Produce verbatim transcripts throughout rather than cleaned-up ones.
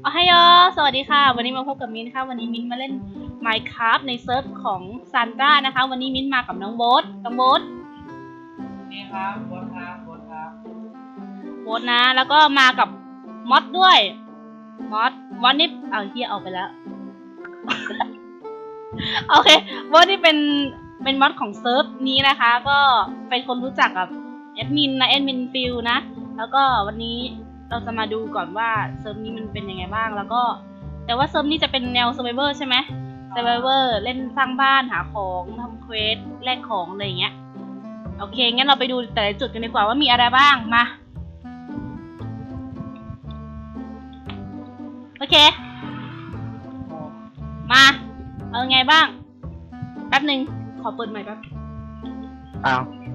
อ๋อฮัลโหลสวัสดีค่ะวันนี้มาพบกับมิ้นค่ะวันนี้มิ้นมาเล่น Minecraft ในเซิร์ฟของซันต้านะคะวันนี้มิ้นมากับน้องโบ๊ทน้องโบ๊ทนี่ครับโบ๊ทครับโบ๊ทครับโบ๊ทนะแล้วก็มากับมอสด้วยมอสมอสนี่เอาเฮียออกไปแล้ว โอเคโบ๊ทนี่เป็นเป็นมอสของเซิร์ฟนี้นะคะก็เป็นคนรู้จักกับแอดมินนะแอดมินฟิลนะแล้วก็วันนี้เราจะมาดูก่อนว่าเซิร์ฟนี้มันเป็นยังไงบ้างแล้วก็แต่ว่าเซิร์ฟนี้จะเป็นแนว Survivor ใช่ไหม Survivor เล่นสร้างบ้านหาของทำเควสแลกของอะไรอย่างเงี้ยโอเคงั้นเราไปดูแต่ละจุดกันดีกว่าว่ามีอะไรบ้างมาโอเคมาเอาไงบ้างแป๊บหนึ่งขอเปิดใหม่แป๊บอ้าว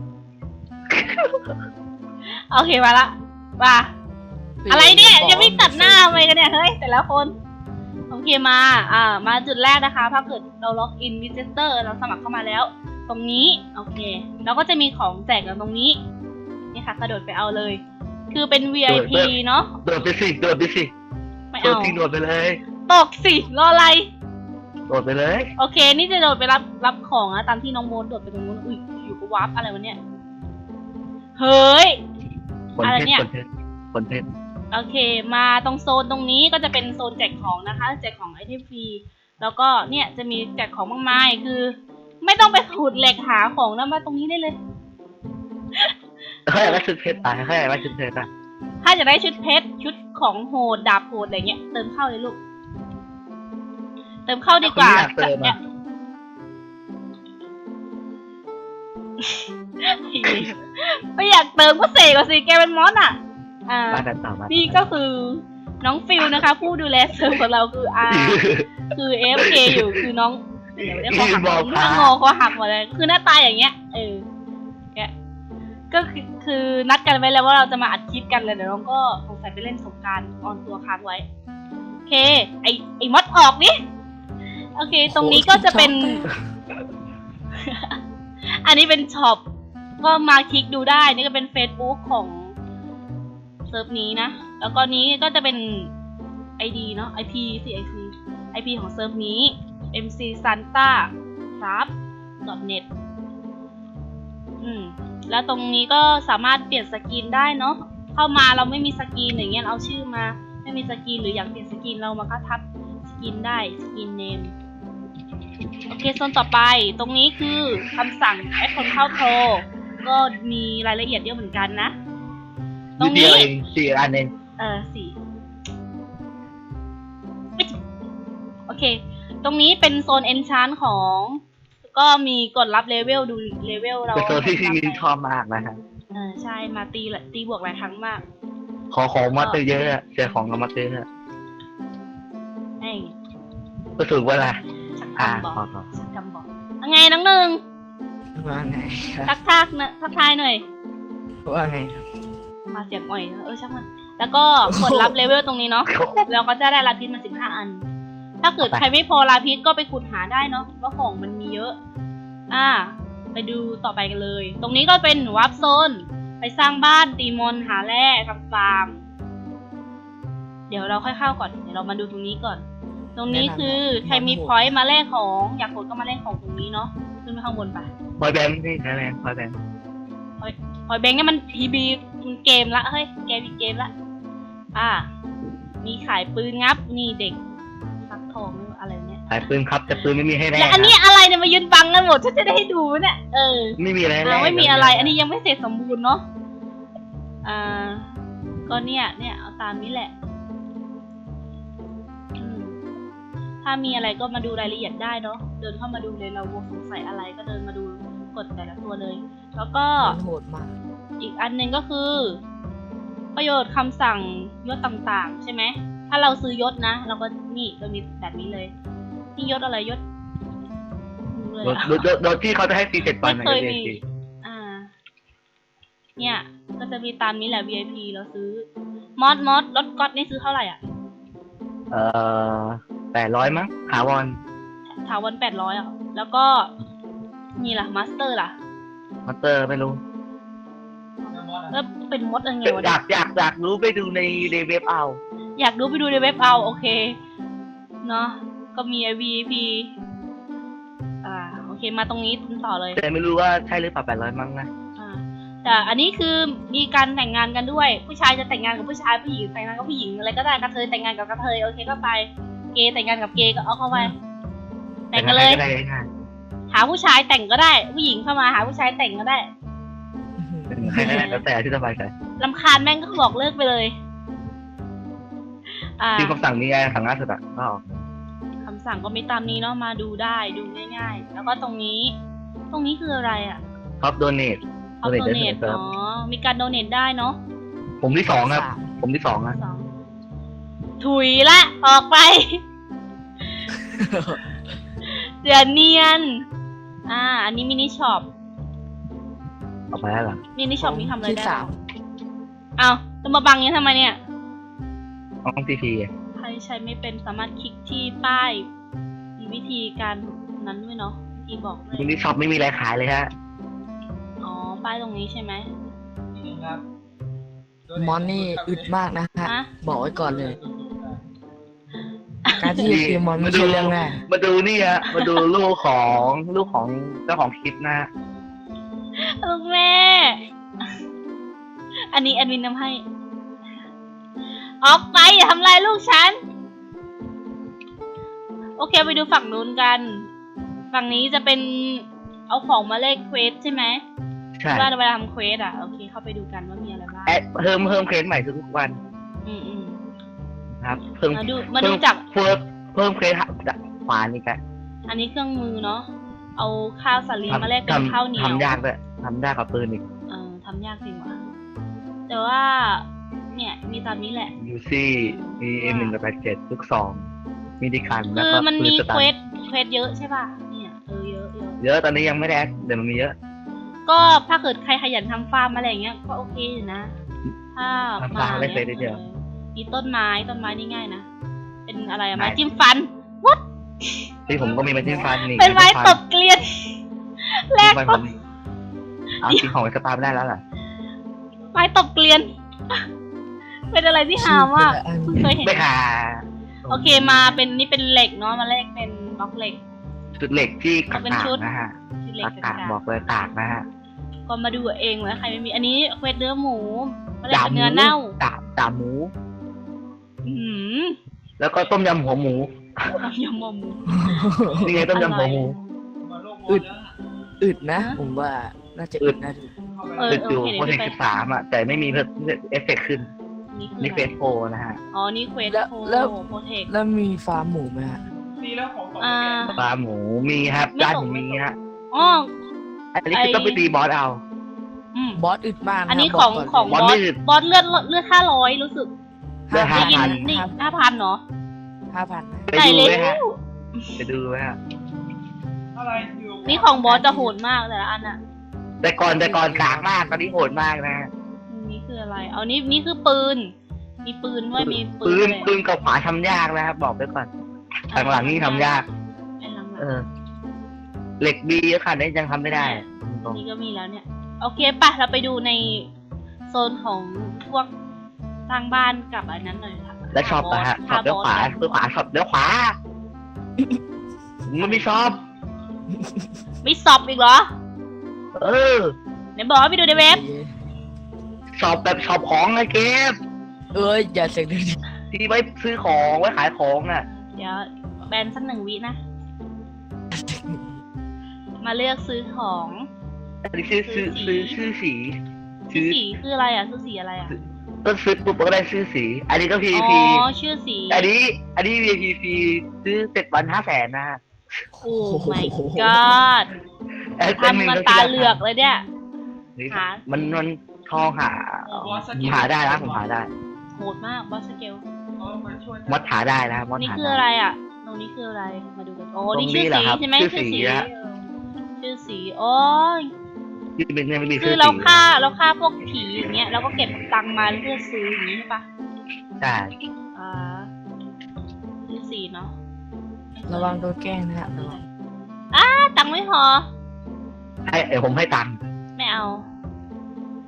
โอเคมาละมาอะไรเนี่ยจะไม่ตัดหน้าทำไมกันเนี่ยเฮ้ยแต่ละคนโอเคมาอ่ามาจุดแรกนะคะถ้าเกิดเราล็อกอินวิจิเตอร์เราสมัครเข้ามาแล้วตรงนี้โอเคแล้วก็จะมีของแจกอยู่ตรงนี้นี่ค่ะกระโดดไปเอาเลยคือเป็น วี ไอ พี เนาะโดดไปสิโดดไปสิไม่เอาโดดไปเลยตกสิรออะไรโดดไปเลยโอเคนี่จะโดดไปรับรับของนะตามที่น้องโมดโดดไปตรงนู้นอุ้ยอยู่กับวาร์ปอะไรวะเนี่ยเฮ้ยอะไรเนี่ยผลเพชรโอเคมาตรงโซนตรงนี้ก็จะเป็นโซนแจกของนะคะแจกของไอเทมฟรีแล้วก็เนี่ยจะมีแจกของมากมายคือไม่ต้องไปขุดเหล็กหาของนะมาตรงนี้ได้เลยถ้าอยากได้ชุดเพชรตายถ้าอยากได้ชุดเพชรอ่ะถ้าจะได้ชุดเพชรชุดของโหดดาบโหดอะไรเงี้ยเติมเข้าเลยลูกเติมเข้าดีกว่าเนี่ยไม่อยากเติมก็เสกก่อนสิแกเป็นมอสอ่ะอ่านี่ก็คือน้องฟิลนะคะผู้ดูแลเซิร์ฟของเราคืออาคือ เอฟ เค อยู่คือน้องเดี๋ยวเขาหักถ้างอเขาหักหมดเลยคือหน้าตาอย่างเงี้ยเออแกก็คือคือนัดกันไว้แล้วว่าเราจะมาอัดคลิปกันเลยเดี๋ยวน้องก็สงสัยไปเล่นสงกรานต์ออนตัวค้างไว้โอเคไอไอมดออกนี่โอเคตรงนี้ก็จะเป็นอันนี้เป็นช็อปก็มาคลิกดูได้นี่ก็เป็น Facebook ของเซิร์ฟนี้นะแล้วก็นี้ก็จะเป็น ไอ ดี เนาะ ไอ พี สิ ไอ พี ไอ พี ของเซิร์ฟนี้ เอ็ม ซี Santa Craft .net อืมแล้วตรงนี้ก็สามารถเปลี่ยนสกินได้เนาะเข้ามาเราไม่มีสกินอย่างเงี้ยเอาชื่อมาไม่มีสกินหรืออยากเปลี่ยนสกินเรามาก็ทับสกินได้สกินเนมโอเคโซนต่อไปตรงนี้คือคำสั่งแอดคนเข้าโปรก็มีรายละเอียดเยอะเหมือนกันนะตรงนี้สี่อันเองเออสี่โอเคตรงนี้เป็นโซนเอนชานของก็มีกดรับเลเวลดูเลเวลเราเป็นโซนที่พี่มินชอบมากนะครับเออใช่มาตีตีบวกหลายครั้งมากขอของมาเตเยอะเสียของกับมาเตเยอะไอ้ก็ถือว่าอะไรอ่าชักกำบอกยังไงน้องหนึ่งว่าไงทักทักนะทักทายหน่อยว่าไงมาเสียงอ่อยเออช่างมันแล้วก็กดรับเลเวลตรงนี้เนาะแล้วก็จะได้ลาพิษมาสิบห้าอันถ้าเกิดใครไม่พอลาพิษก็ไปขุดหาได้เนาะว่าของมันมีเยอะอ่าไปดูต่อไปกันเลยตรงนี้ก็เป็นวาร์ปโซนไปสร้างบ้านตีมอนหาแร่ทำฟาร์มเดี๋ยวเราค่อยเข้าก่อนเดี๋ยวเรามาดูตรงนี้ก่อนตรงนี้คือใครมีพอยต์มาแลกของอยากกดก็มาแลกของตรงนี้เนาะขึ้นไปข้างบนไปพอยแบงค์พี่แรงพอยแบงค์พอยพอยแบงค์เนี่ยมันพีบีมันเกมละเฮ้ยเกมอีกเกมละอ่ามีขายปืนงับนี่เด็กซักทองอะไรเนี่ยขายปืนครับแต่ปืนไม่มีให้แลกแล้วอันนี้อะไรเนี่ยมายืนบังกันหมดฉันจะได้ให้ดูเนี่ยเออไม่มีอะไรแล้วไม่มีอะไรอันนี้ยังไม่เสร็จสมบูรณ์เนาะอ่าก็เนี่ยเนี่ยเอาตามนี้แหละถ้ามีอะไรก็มาดูรายละเอียดได้เนาะเดินเข้ามาดูเลยเราสงสัยอะไรก็เดินมาดูกดแต่ละตัวเลยแล้วก็โหดมากอีกอันหนึ่งก็คือประโยชน์คำสั่งยศต่างๆใช่ไหมถ้าเราซื้อยศนะเราก็นี่จะมีแบบนี้เลยนี่ยศอะไรยศโดยที่เขาจะให้ฟรีเจ็ดวันไม่เคยมีอ่าเนี่ยก็จะมีตามนี้แหละ วี ไอ พี เราซื้อมอสมอสรถก๊อตนี่ซื้อเท่าไหร่อ่ะเอ่อแปดร้อยมั้งถาวรถาวรแปดร้อยอ่ะแล้วก็นี่ล่ะมาสเตอร์ล่ะมาสเตอร์ไม่รู้แล้วเป็นมดอะไรวะอยากอยากอยากรู้ไปดูในในเว็บเอาอยากดูไปดูในเว็บเอาโอเคเนาะก็มี วี ไอ พี อ่าโอเคมาตรงนี้ต่อเลยแต่ไม่รู้ว่าใช่หรือเปล่าแปดร้อยมั้งนะอ่าแต่อันนี้คือมีการแต่งงานกันด้วยผู้ชายจะแต่งงานกับผู้ชายผู้หญิงแต่งงานกับผู้หญิงอะไรก็ได้กระเทยแต่งงานกับกระเทยโอเคก็ไปเกย์แต่งงานกับเกย์ก็เอาเข้าไปแต่งกันเลยก็ได้ง่ายหาผู้ชายแต่งก็ได้ผู้หญิงเข้ามาหาผู้ชายแต่งก็ได้ๆใครก็ได้แล้วแต่ที่สบายใจรำคาญแม่งก็บอกเลิกไปเลยอ่าที่คำสั่งนี้ไงสั่งล่าสุดอ่ะก็ออกคำสั่งก็มีตามนี้เนาะมาดูได้ดูง่ายๆแล้วก็ตรงนี้ ตรงนี้คืออะไรอ่ะท็อปโดเนทเอาโดเนทอ๋อมีการโดเนทได้เนาะผมที่สองครับ ผมที่สองนะสองถุยละออกไป เดี๋ยวเนียน อ่า อันนี้มินิช็อปออกไปแล้วเหรอมินิช็อปนี่ทำอะไรที่ได้สามเอาจะมาบังนี้ทำไมเนี่ยห้องทีพีใครใช้ไม่เป็นสามารถคลิกที่ป้ายมีวิธีการนั้นด้วยเนาะวิธีบอกเลยมินิช็อปไม่มีอะไรขายเลยฮะอ๋อ ป้ายตรงนี้ใช่ไหมนี่ครับมอนนี่อึดมากนะฮะฮะบอกไว้ก่อนเลย การที่จะตีมอนไม่ใช่เรื่องง่ายมาดูนี่ฮะมาดูลูกของลูกของเจ้าของคลิปนะฮะลูกแม่ อันนี้แอดมินทำให้ ออกไปอย่าทำลายลูกฉัน โอเคไปดูฝั่งนู้นกัน ฝั่งนี้จะเป็นเอาของมาเลขเควสใช่ไหมใช่ว่าเวลาทำเควสอ่ะ โอเคเข้าไปดูกันว่ามีอะไรบ้างแอดเพิ่มเพิ่มเครดใหม่ทุกวันอืมอืมนะครับ เพิ่มมาดูมาดูจากเพิ่มเพิ่มเครดจากขวานี่กันอันนี้เครื่องมือเนาะ เอาข้าวสาลีมาแลกเป็นข้าวเหนียวทำยากเลยทำยากกับปืนอีกเออทำยากจริงว่ะ แต่ว่า เนี่ย มีตามนี้แหละยูซี่มีเอ็มหนึ่งกับแปดเจ็ดลูกซองมีดิคันแล้วคือก็มันปืมีนสตัเคน วสเควสเยอะใช่ป่ะ เนี่ย เออเยอะเยอะเยอะตอนนี้ยังไม่ได้แอดเดี๋ยวมันมีเยอะก็ถ้าเกิดใครขยันทำฟาร์มอะไรอย่างเงี้ย ก็โอเคอยู่นะ ถ้าทำมาฟาร์มได้เนี่ยเฟซได้เดียวออมีต้นไม้ต้นไม้นี่ง่ายนะ เป็นอะไรอะไหนไม้จิ้มฟัน วัดที่ผมก็มีไม้จิ้มฟันนี่เป็นไม้ตบเกลียนแลกไม้ก็ผมเอาจริงของไอ้สตาร์ไม่ได้แล้วล่ะไม้ตบเกลียน เป็นอะไรที่หาว่ากเพิ่งเคยเห็นไม่หาโอเคมาเป็นนี่เป็นเหล็กเนาะมาแลกเป็นบล็อกเหล็กจุดเหล็กที่กากเป็นชุดๆนะฮะที่เหล็กกากกาๆบอกเลยกากนะฮะก็มาดูเองเลยใครไม่มีอันนี้เควสเนื้อหมูมาแลกเป็นเนื้อเน่าดาบดาบหมูอืมแล้วก็ต้มยำหัวหมูต้มยำหมูนี่ไงต้มยำหัวหมูมาโลกมอึอดนแล้วอึดนะ ผมว่าน่าจะอึดนะดูเออตึกโออยู่เคโปรเดี๋ยวเทคไปสิบสามอ่ะ แต่ไม่มีเอฟเฟกต์ขึ้นนี่คือนี่อะเฟไรสโฟนะฮะอ๋อนี่เควสแล้วโคแล้วโปรเทคแล้วมีฟาร์มหมูไหมฮะดีแล้วของของอ่าปลาหมูมีครับไม่ด้านตกผมมีฮะอ๋ออันนี้คือต้องไปตีบอสเอาอืมบอสอึดมากะอันนี้บของกก่นของบบ ออสสนี่บอสเลือดเลือดห้าร้อยรู้สึกเลือดได้ยินห้าพันนี่ห้าพันเนาะห้าพันไปใส่ดูเลไหมฮะยไปดูไหมฮะอะไรอยู่นี่ของบอสจะโหดมากแต่ละอันอะแต่ก่อนแต่ก่อนกลางมาก ตอนนี้โหดมากนะนี่คืออะไร เอานี่นี่คือปืน มีปืนด้วยมีปืปืนนเลยปืนกับขวาทำยากนะครับ บอกไปก่อนหลังๆนี่ทำยากเป็นหลังเออ เหล็กบีขนาดนี้ยังทำไม่ได้ตรงๆนี่ก็มีแล้วเนี่ย โอเคปะเราไปดูในโซนของพวกสร้างบ้านกับอันนั้นหน่อยค่ะและชอบนะฮะชอบเลี้ยวขวาเลี้ยวขวาชอบเลี้ยวขวามันไม่ชอบไม่สอบอีกเหรอเออไหนบอกว่าไปดูในเว็บชอบแบบชอบของไงเกมเอ้ยอย่าเสียงดังที่ไว้ซื้อของไว้ขายของอ่ะเดี๋ยวแบนสักหนึ่งวินะ มาเลือกซื้อของอันนี้ชื่อซื้อซื้อชื่อสีซื้ซื้ออสีคืออะไรอ่ะซื้อสีอะไรอ่ะก็ซื้อปุ๊บก็ได้ชื่อสี อันนี้ก็ พีอ๋พีอชื่อสีอันนี้ อันนี้ วี พี พี ซื้อเจ็ดวันห้าแสนนะฮะโอ้ my god แอดเป็นหนึ่ทำงมาก็ตาคิดเหลือกเลยเนี่ยนี่หามันมันทองหาโอ้บอสสกิลหาได้นะผมหาได้โหดมากบอสสเกลเขามาช่วยมดหาได้นะมดนี่หาคือได้อะไรอ่ะ ตรงนี้คืออะไร มาดูกัน โอ้ตรงนี่นี้ชื่อเหรอสีครับใช่ไหมชื่อชื่อสีสีฮะชื่อสีโอ้ยที่เป็นเนี่ยไม่มีคืชื่ออเราสีฆ่าเราฆ่าพวกผีอย่างเงี้ยเราก็เก็บตังค์มาเพื่อซื้ออย่างนี้ใช่ปะใช่อ่าชื่อสีเนาะระวังโดนแกล้งนะฮะระวังอ่าตังค์ไม่พอให้เดี๋ยวผมให้ตังค์ไม่เอา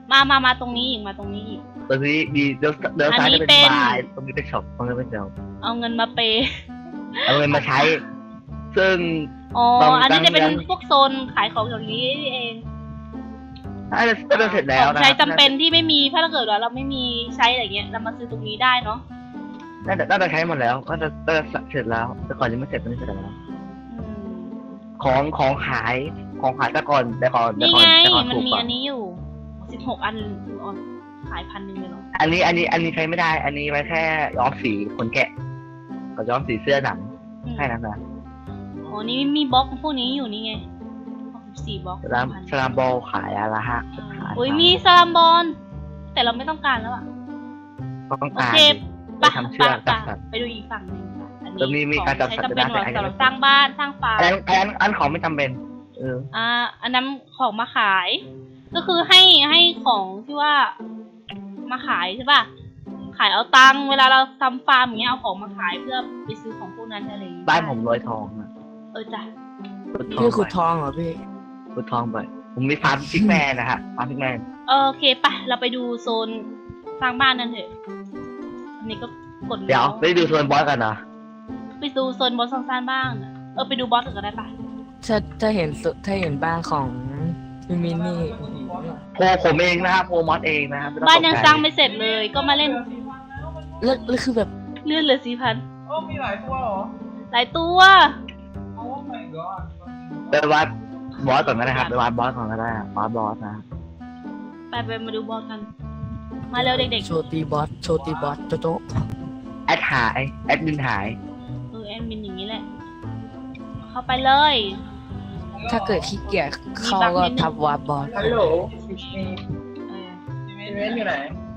มามามาตรงนี้อีกมาตรงนี้อีกตรงนี้มีเดี๋ยวเดี๋ยวซ้ายอันนี้จะเป็นเป็นบาร์ตรงนี้เป็นช็อปตรงนี้เป็นเซลเอาเงินมาเปย์เอาเงินมาใช้ ซึ่งอ๋อตรงอันนี้จะเป็นกลางพวกโซนขายของอย่างนี้เองน่าจะน่าจะเสร็จแล้วของนะใช้จำเป็นที่ไม่มีถ้าเกิดว่าเราไม่มีใช้อะไรเงี้ยเรามาซื้อตรงนี้ได้เนาะน่าจะน่าจะใช้หมดแล้วก็จะน่าจะเสร็จแล้ว แต่ก่อนยังไม่เสร็จตอนนี้เสร็จแล้วอืมของของขายของขายแต่ก่อนแต่ก่อนแต่นี่ก่อนไงแต่ก่อนมันถูกมีกว่าอันนี้อยู่สิบหกอันอ๋อขายพันหนึ่งเลยเหรออันนี้อันนี้อันนี้ใช้ไม่ได้ อันนี้ไว้แค่ย้อมสีขนแกะกับย้อมสีเสื้อหนังอืมแค่นั้นนะอ๋อนี่มีบล็อกพวกนี้อยู่นี่ไงสิบสี่บล็อกสลามสลามบอลขายอะไรฮะขายอุ้ยมีสลามบอลแต่เราไม่ต้องการแล้วอะต้องโอการเคไปไปทำไปเชือกไปจับสัตว์ไปดูอีกฝั่งหนึ่งค่ะอันแล้วมีนี้มีของการจับใช้สัตว์จำเป็นด้วยนะสำหรับสร้างบ้านสร้างฟาร์มอันอันอันของไม่จำเป็น เอออ่า อันนั้นของมาขาย ก็คือให้ให้ของที่ว่ามาขายใช่ป่ะ ขายเอาตังค์เวลาเราทำฟาร์มอย่างเงี้ยเอาของมาขายเพื่อไปซื้อของพวกนั้นอะไรอย่างเงี้ยบ้านผมรวยทองนะเออจ้ะขุดทองพี่ขุดไปทองเหรอพี่ขุดทองไปผมมีฟาร์มพิกแมนนะฮะฟาร์มพิกแมนโอเคไปเราไปดูโซนสร้างบ้านนั่นเถอะ อันนี้ก็กดเดี๋ยวแล้วไปดูโซนบอสกันนะไปดูโซนบอสสร้างบ้านอะเออไปดูบอสอื่นก็ได้ปะถ้าถ้าเห็นสุถ้าเห็นบ้านของพี่มินนี่โพผมเองนะครับโพมอสเองนะครับไม่ต้องบ้านยังตกใจสร้างไม่เสร็จเลย ก็มาเล่นแล้วแล้วคือแบบเลื่อนเหลือสี่พันโอ้มีหลายตัวเหรอหลายตัวโอ้ my god ไปวัดบอสก่อนก็ได้ครับไปวัดบอสก่อนก็ได้ครับวัดบอสนะไปไปมาดูบอสกัน มาเร็วเด็กโชตีบอสโชตีบอสโจโจแอดหายแอดมินหายๆเออแอดมินอย่างนี้แหละ เข้าไปเลยถ้าเกิดขี้เกียจเข้าก็ทับวาร์ปบอสฮัลโหลเอออีเวนต์อยู่ไหน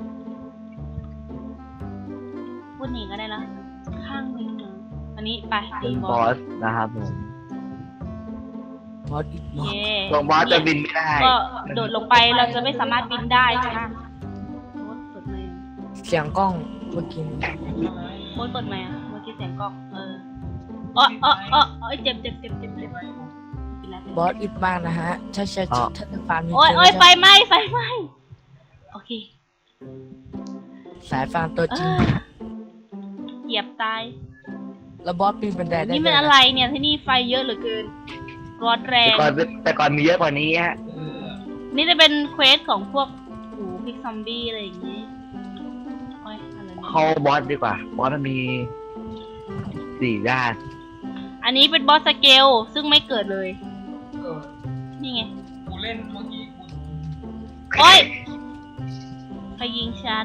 พูดหนีก็ได้นะ ข้างนี้นะอันนี้ไปเป็ตีนบบ ออสสนะครับผมบอสอีกบอสเย่ลงบอสจะบินไม่ได้ก็โดดลงไปเราจะไม่สามารถบินได้ใช่ไหมโบ๊ทเปิดไมค์เสียงกล้องเมื่อกี้โบ๊ทเปิดไมค์อะเมื่อกี้เสียงกล้องเอออ๋ออ๋ออ๋ออ๋อเจ็บเจ็บเจ็บเจ็บเจ็บเป็นไรบอสอีกมากนะฮะถ้าใช้ถ้าฟาร์มโอ้ยโอ้ยไฟไหม้ไฟไหม้โอเคสายฟาร์มตัวเอจริงอเหยียบตายแล้วบอสปีนบันไดได้นี่ด้มัวน ยอะไรเนี่ยที่นี่ไฟเยอะเหลือเกินร้อนแรแต่งก่อนแต่ก่อนมีเยอะกว่านี้ฮะนี่จะเป็นเควสของพวกหูพิกซอมบี้อะไรอย่างงี้โอ้ยอะไรเนี่ยเข้าบอสดีกว่า บอสมันมีสี่ด้านอันนี้เป็นบอสสเกลซึ่งไม่เกิดเลยเออนี่ไงกูเล่นเมื่อกี้กูโอ้ยใครยิงฉัน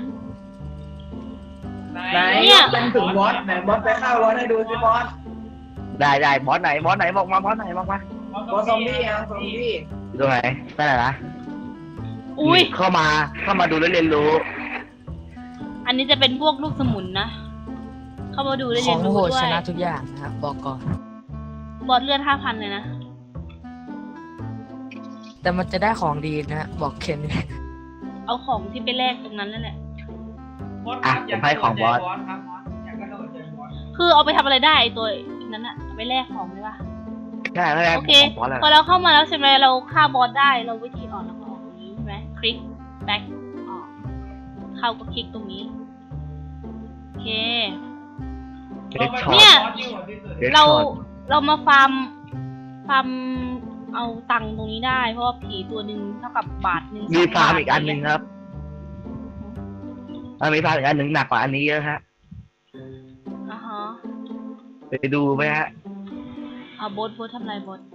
ไหนเนี่ยเป็นถึงบอสไหนบอสไปเข้าบอสให้ดูสิบอสได้ได้บอสไหนบอสไหนบอกมาบอสไหนบอกมาบอสซอมบี้อ่ะซอมบี้อยู่ตรงไหนนั่นแหละนะอุ้ยเข้ามาเข้ามาดูแล้วเรียนรู้อันนี้จะเป็นพวกลูกสมุนนะ เข้ามาดูได้ขเรีอย งนรู้โหดด้วชยนะทุกอย่างนะครับบอกก่อนบอสเลือดห้าพันเลยนะแต่มันจะได้ของดีนะฮะบอกเคนเอาของที่ไปแลกตรงนั้นนั่นแหละบอสอ่ะผมให้ของบอสครับบอสอยากกระโดดใจบอสคือเอาไปทำอะไรได้ไอ้ตัวนั้นอะเอาไปแลกของได้ปะใช่ไม่ได้โอเคของบอสแล้วพอเราเข้ามาแล้วใช่ไหมเราฆ่าบอสได้ เราวิธีออกเราก็ออกตรงนี้ใช่ไหมคลิกแบ็คออก เข้าก็คลิกตรงนี้ โอเคเด็กช็อตเนี่ยบอสอยู่ที่สุดเด็กเราช็อตเรามาฟาร์ม ฟาร์มเอาตังค์ตรงนี้ได้ เพราะว่าผีตัวหนึ่งเท่ากับบาทหนึ่งมีสงฟาร์มบทอีกอันหนึ่งครับอ่ะมีฟาร์มอีกอันหนึ่งหนักกว่าอันนี้เยอะฮะอ่าฮะไปดูไหมฮะอ่าบดบดทำไรบด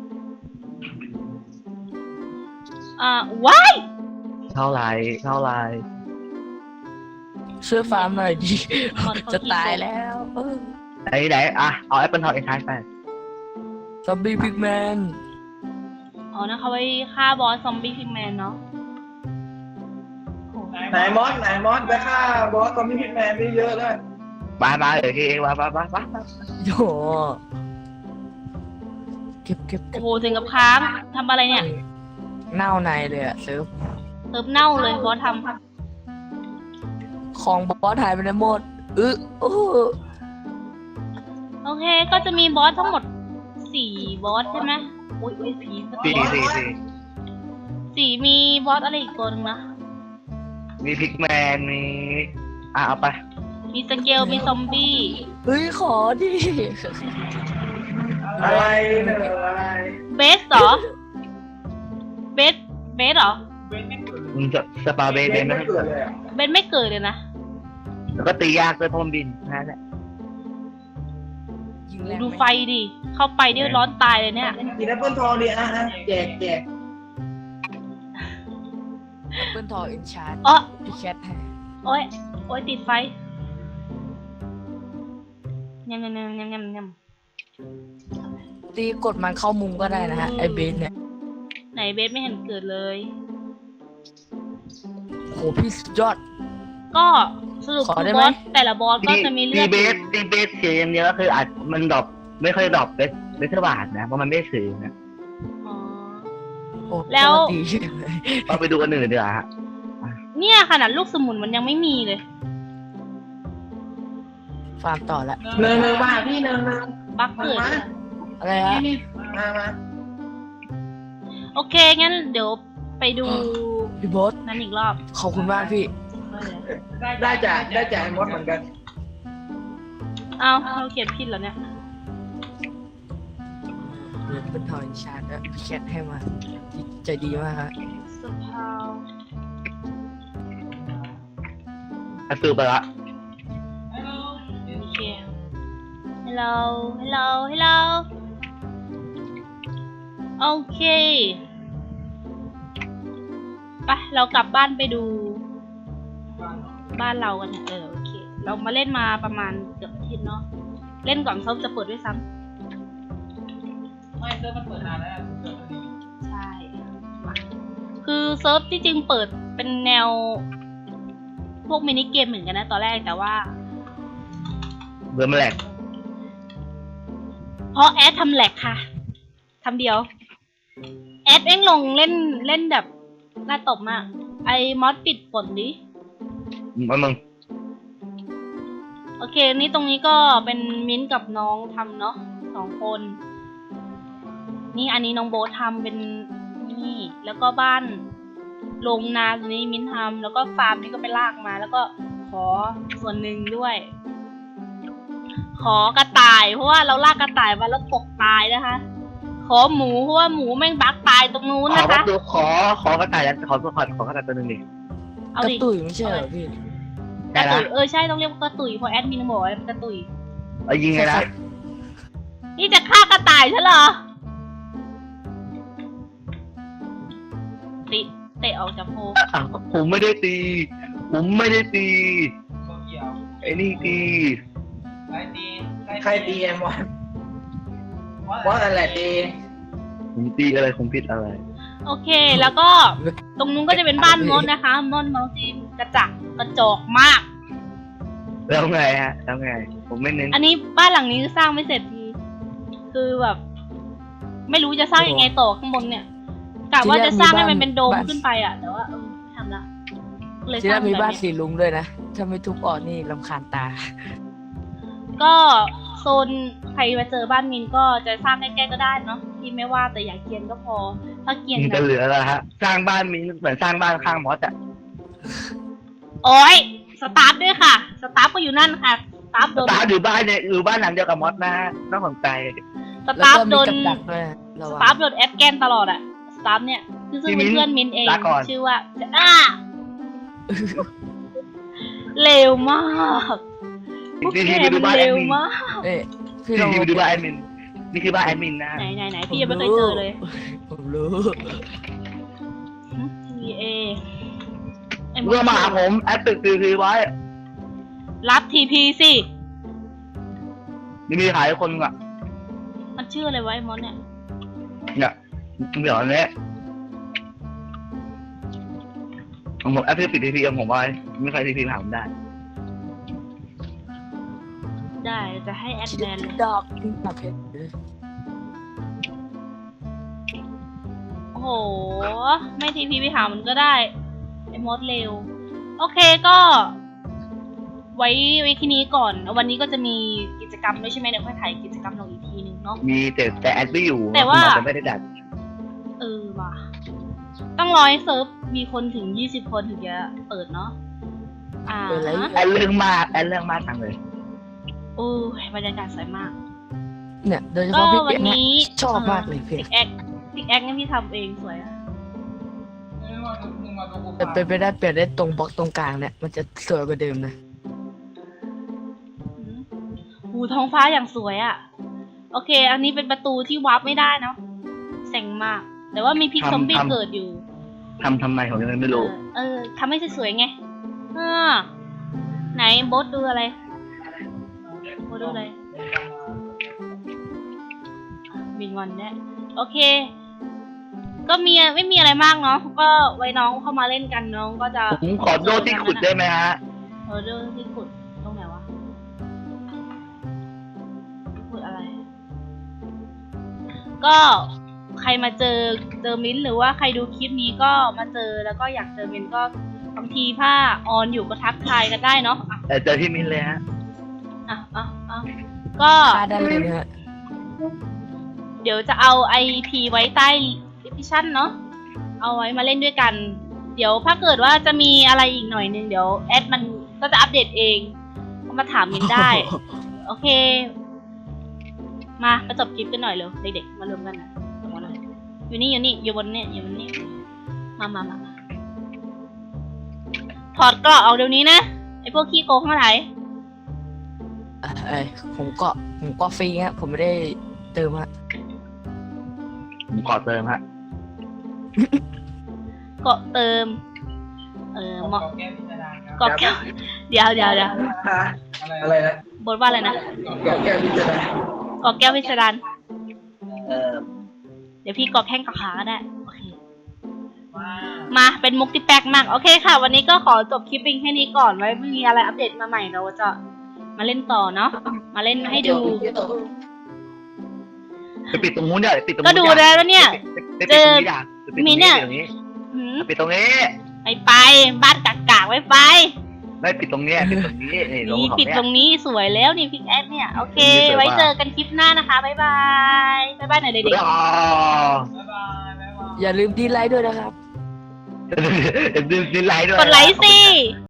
อ่าว้ายเท่าไหรเท่าไหรช่วยฟาร์มหน่อยดิจะตายแล้วเออไหนไหนอ่ะเอาแอปเปิลทองเอ็นทายไปซอมบี้พิกแมนอ๋อนะคะไว้ฆ่าบอสซอมบี้พิกแมนเนาะโหไหนมอสไหนมอสไปฆ่าบอสซอมบี้พิกแมนไปเยอะเลยมามาเดี๋ยวเองมามามามาโยเก็บเก็บเก็โอ้บโหถึงกับค้างทำอะไรเนี่ยเน่าในเลยอะเซิร์ฟเติมเน่าเลยบอสทของบอสหายไปในหมดอึโอ้ำโอเคก็จะมีบอสทั้งหมดสี่บอสใช่ไหมอุ้ยอุ้ยผีสี่สี่สี่สี่มีบอสอะไรอีกตัวหนึงนะมีพิกแมนมีอ่ะเอาไปมีสเกลมีซอมบี้เฮ้ยขอดิอะไรเนี่ยอะไรเบสเหรอ เบส เบสเหรอมึงจะสปาเบย์เบย์ไม่ไม่ให้เกิเกิดดเลยอ่ะเบสไม่เกิดเลยนะแล้วก็ตียากด้วยเพราะมันบินนั่นแหละยิงแรงดูไหมไฟดิ เข้าไปนี่ร้อนตายเลยเนี่ยกินแอปเปิลทองดิอ่ะอ่ะแจกแจกเปิ้ลทอเอ็นชาร์ดอ๋อพี่แคทให้โอ้ย โอ้ยติดไฟยำยำยำยำยำยำตีกดมันเข้ามุมก็ได้นะฮะไอเบนเนี่ยไหนเบสไม่เห็นเกิดเลยโหพี่สุดยอดก็สรุปขอคือได้บไหมอสแต่ละบอสก็จะมีเลืตีอดเบสตีเบสเสียอย่างเดียวก็คืออาจมันดรอปไม่ค่อยดรอปเบสเบสเทอร์บาทนะเพราะมันไม่สื่อนะอ๋อโอ้แล้วดีเลยเราไปดูอันอื่นดีกว่าฮะเนี่ยขนาดลูกสมุนมันยังไม่มีเลยฟาร์มต่อละเนิงเนิงมาพี่เนิงเนิงบักเกิดมาเลยอะไรฮะนี่มามาโอเค งั้นเดี๋ยวไปดูพี่โบสนั้นอีกรอบขอบคุณมากพี่ได้จากได้จากไอ้มดเหมือนกันเอาเราเขียนผิดเหรอเนี่ยเดี๋ยวเปิ้ลทอเอ็นชาร์ดแล้วพี่แคทให้มาใจดีมากฮะสภาวอ่ะซื้อไปละโอเค hello hello hello โอเคไปเรากลับบ้านไปดู บ้านเรากันเถอะเออโอเค เรามาเล่นมาประมาณเกือบอาทิตย์เนาะ เล่นก่อนเซิร์ฟจะเปิดด้วยซ้ำไม่เริ่มมันเปิดนานแล้วใช่มาคือเซิร์ฟที่จริงเปิดเป็นแนว พวกมินิเกมเหมือนกันนะตอนแรกแต่ว่าเบอร์มาแหลกเพราะแอดทำแหลกค่ะทำเดียว แอดเอ็งลงเล่นเล่นแบบน่าตบมาก ไอ้มอสปิดฝนดิมันมึงโอเค นี่ตรงนี้ก็เป็นมิ้นท์กับน้องทำเนาะสองคน นี่อันนี้น้องโบ๊ททำเป็นนี่ แล้วก็บ้านโรงนาตรงนี้มิ้นท์ทำแล้วก็ฟาร์มนี่ก็ไปลากมา แล้วก็ขอส่วนหนึ่งด้วย ขอกระต่ายเพราะว่าเราลากกระต่ายมาแล้วตกตายนะคะ ขอหมูเพราะว่าหมูแม่งบักตายตรงนู้นขอนะประคะตูขอขอกระต่ายแล้วขอขอขอกระต่ายตัวหนึงดิเอากระดิตุยไม่ใช่เหรอพี่กได้ระละตุยเออใช่ต้องเรียกว่ากระตุยเพราะแอดมินบอกว่ากระตุยเอายิงไงนะนี่จะฆ่ากระต่ายใช่เหรอติเตะออกจากโพอ่ะผมไม่ได้ตี ผมไม่ได้ตีไอ้นี่ตีใครตีไอ้มดมดอะไรตีผมตีอะไรผมผิดอะไรโอเคแล้วก็ตรงนู้นก็จะเป็นบ้านมดนะคะมดมดจีนกระจักกระจอกมากแล้วไงฮะแล้วไง ผมไม่เน้นอันนี้บ้านหลังนี้สร้างไม่เสร็จทีคือแบบ ไม่รู้จะสร้างยังไงต่อข้างบนเนี่ยกะว่าจะสร้างให้มันเป็นโดมขึ้นไปอ่ะแต่ว่าเออไม่ทำละเลยที่สร้านั่งนมีแบบบ้านนี้สีลุงด้วยนะ ถ้าไม่ทุบออกนี่รำคาญตาก็โซนใครมาเจอบ้านมินก็จะสร้างใกล้ๆก็ได้เนาะที่ไม่ว่าแต่อย่าเกรียนก็พอ ถ้าเกรียนมันแบจะบเหลือแล้วฮะ สร้างบ้านมีเหมือนสร้างบ้านข้างมอสอะโอ้ยสตาร์ทด้วยค่ะ สตาร์ทก็อยู่นั่นค่ะ สตาร์ทโดนตาอยู่บ้านเนี่ยอยู่บ้านหลังเดียวกับมอสนะน่าสนใจสแล้วตาร์ทก็โดมีนกับดักด้วยระสวังตาร์ทโดนแอดแกนตลอดอะสตาร์ทเนี่ยคือซึ่งเป็นเพื่อนมินเอง ชื่อว่าอ้าเร็วมากพวกนี่แกคือไปดูมันบ้านแอเร็ดวมินมากเอ้ยพี่นี่ลองคือไปดูบ้านแอดมินนี่คือบ้านแอดมินนะไหนไหนไหนพี่ยังไม่เคยเจอเลยผมรู้ทีเอเมื่อมาหาผมแอดตึกคือคือไว้รับทีพีสินี่มีขายคนอ่ะมันชื่ออะไรไวะไอ้มอนเนี่ยเนี่ยเดี๋ยวนี้ผมแอดตึกปิดทีพีผมไว้ไม่ใครทีพีถามได้ได้จะให้แอดแบนเลยดอกดับเพชรโอ้โห ไม่ทีพีไปหามันก็ได้ ไอ้มดเร็ว โอเคก็ ไว้ไว้ที่นี้ก่อน วันนี้ก็จะมีกิจกรรมด้วยใช่ไหมเดี๋ยวค่อยถ่ายกิจกรรมลงอีกทีนึงเนาะมีแต่แต่แอดไม่อยู่แต่ว่าคุณหมอจะไม่ได้ดัดเออว่ะต้องรอให้เซิร์ฟมีคนถึงยี่สิบคนถึงจะเปิดเนาะอ่าเปิดอะไรแอนเรื่องมากแอนเรื่องมากจังเลยโอ้ยบรรยากาศสวยมากเนี่ยโดยเฉก็พาะพี่วัเปียนกเนี่ยนี้ชอบมากเลยเพลพิงกแอคพิกแอคนี่พี่ทำเองสวยอะแต่เป็นไปได้เปลี่ยนได้ตรงบล็อกตรงกลางเนี่ยมันจะสวยกว่าเดิมนะอืมหูท้องฟ้าอย่างสวยอะโอเค อันนี้เป็นประตูที่วาร์ปไม่ได้เนาะเซ็งมาก แต่ว่ามีพิกซอมบี้เกิดอยู่ทำทำไมผมยังไม่รู้เออเออทำให้สวยๆไงเออไหนโบสดูอะไรโบสดูอะไรมินวันเนี่ยโอเค ก็มีไม่มีอะไรมากเนาะก็ไว้น้องเข้ามาเล่นกันน้องก็จะผมขอโดที่ขุดได้ไหมฮะเออโดที่ขุดตรงไหนวะขุดอะไร ก็ใครมาเจอเจอมิ้นท์หรือว่าใครดูคลิปนี้ก็มาเจอแล้วก็อยากเจอมิ้นท์ก็บางทีถ้าออนอยู่ก็ทักทายกันได้เนาะอ่ะแต่เจอที่มินเลยฮะอ่ะอ่ะอ่ะก็ค่าได้เลยนะฮะเดี๋ยวจะเอาไอพีไว้ใต้ดิสคริปชั่นเนาะเอาไว้มาเล่นด้วยกัน เดี๋ยวถ้าเกิดว่าจะมีอะไรอีกหน่อยนึงเดี๋ยวแอดมันก็จะอัปเดตเองก็มาถามมิ้นท์ได้ โอเค มาประจบคลิปกันหน่อยเร็วเด็กๆมารวมกันหน่อยลงมาหน่อยอยู่นี่อยู่นี่อยู่บนเนี่ยอยู่บนนี่มามามามาถอดเกราะเอาเดี๋ยวนี้นะไอพวกขี้โกงทั้งหลายเอ่อเอ้ยผมก็ผมก็ฟรีฮะผมไม่ได้เติมฮะผมขอเติมฮะเกาะเติม เออเหมาะแก้พิจารณาครับเกาะแก้วเดี๋ยวเดี๋ยวเดี๋ยวอะไรนะบทว่าอะไรนะเกี่ยวแก้พิจารณาเกาะแก้วพิสดารเออเดี๋ยวพี่เกาะแข้งเกาะขาก็ได้โอเคมาเป็นมุกที่แปลกมากโอเคค่ะ วันนี้ก็ขอจบคลิปเพียงแค่นี้ก่อนไว้มีอะไรอัปเดตมาใหม่เราจะมาเล่นต่อเนาะมาเล่นให้ดูไปปิดตรงนู้นเดี๋ยวปิดตรงก็นู้นดูแล้วเนี่ยไปปิดตรงนี้ด่าไปปิดตรงมีเนี่นี้ยตรงนี้หืมปิดตรงนี้ไปไปบ้านกากากๆไว้ไปไม่ปิดตรงนี้ปิดตรงนี้นี่ลงนี่ของปิดเนี่ยตรงนี้สวยแล้วนี่พิกแอดเนี่ยโอเคตรงนี้สวยไว้มากเจอกันคลิปหน้านะคะบ๊ายบายบ๊ายบายหน่อยเด็กอ๋อบ๊ายบายบ๊ายบายอย่าลืมดีไลค์ด้วยนะครับเดี๋ยวดินไลน์ด้วยๆกดไลค์สิ